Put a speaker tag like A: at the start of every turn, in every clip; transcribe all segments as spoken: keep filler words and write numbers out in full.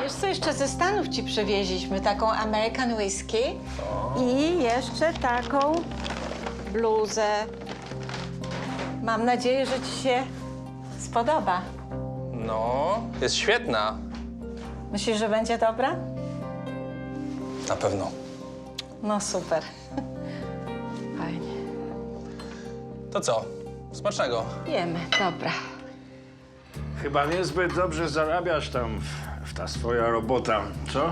A: Wiesz co, jeszcze ze Stanów ci przywieźliśmy taką American Whisky i jeszcze taką bluzę. Mam nadzieję, że ci się spodoba.
B: No, jest świetna.
A: Myślisz, że będzie dobra?
B: Na pewno.
A: No super. Fajnie.
B: To co? Smacznego.
A: Jemy, dobra.
C: Chyba niezbyt dobrze zarabiasz tam w, w ta swoja robota, co?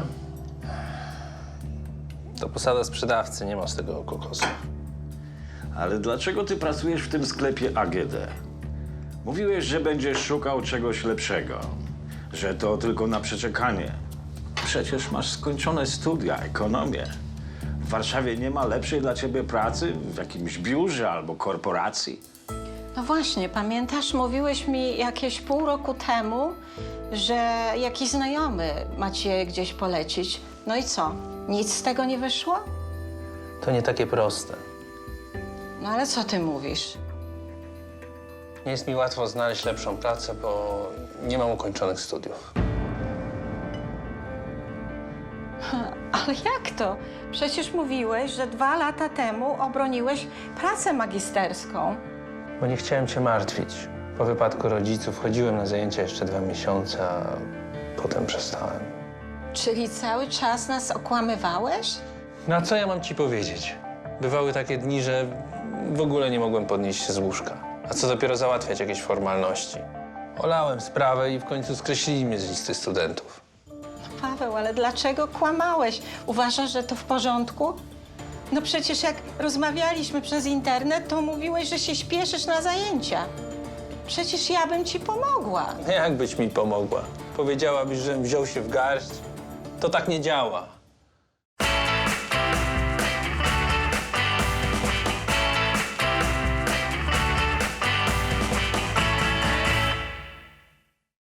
B: To posada sprzedawcy, nie ma z tego kokosu.
C: Ale dlaczego ty pracujesz w tym sklepie A G D? Mówiłeś, że będziesz szukał czegoś lepszego, że to tylko na przeczekanie. Przecież masz skończone studia, ekonomię. W Warszawie nie ma lepszej dla ciebie pracy w jakimś biurze albo korporacji.
A: No właśnie, pamiętasz, mówiłeś mi jakieś pół roku temu, że jakiś znajomy ma cię gdzieś polecić. No i co? Nic z tego nie wyszło?
B: To nie takie proste.
A: No ale co ty mówisz?
B: Nie jest mi łatwo znaleźć lepszą pracę, bo nie mam ukończonych studiów.
A: Ale jak to? Przecież mówiłeś, że dwa lata temu obroniłeś pracę magisterską.
B: Bo nie chciałem cię martwić. Po wypadku rodziców chodziłem na zajęcia jeszcze dwa miesiące, a potem przestałem.
A: Czyli cały czas nas okłamywałeś?
B: No a co ja mam ci powiedzieć? Bywały takie dni, że w ogóle nie mogłem podnieść się z łóżka. A co dopiero załatwiać jakieś formalności. Olałem sprawę i w końcu skreślili mnie z listy studentów.
A: Paweł, ale dlaczego kłamałeś? Uważasz, że to w porządku? No przecież jak rozmawialiśmy przez internet, to mówiłeś, że się śpieszysz na zajęcia. Przecież ja bym ci pomogła.
B: Jak byś mi pomogła? Powiedziałabyś, żebym wziął się w garść? To tak nie działa.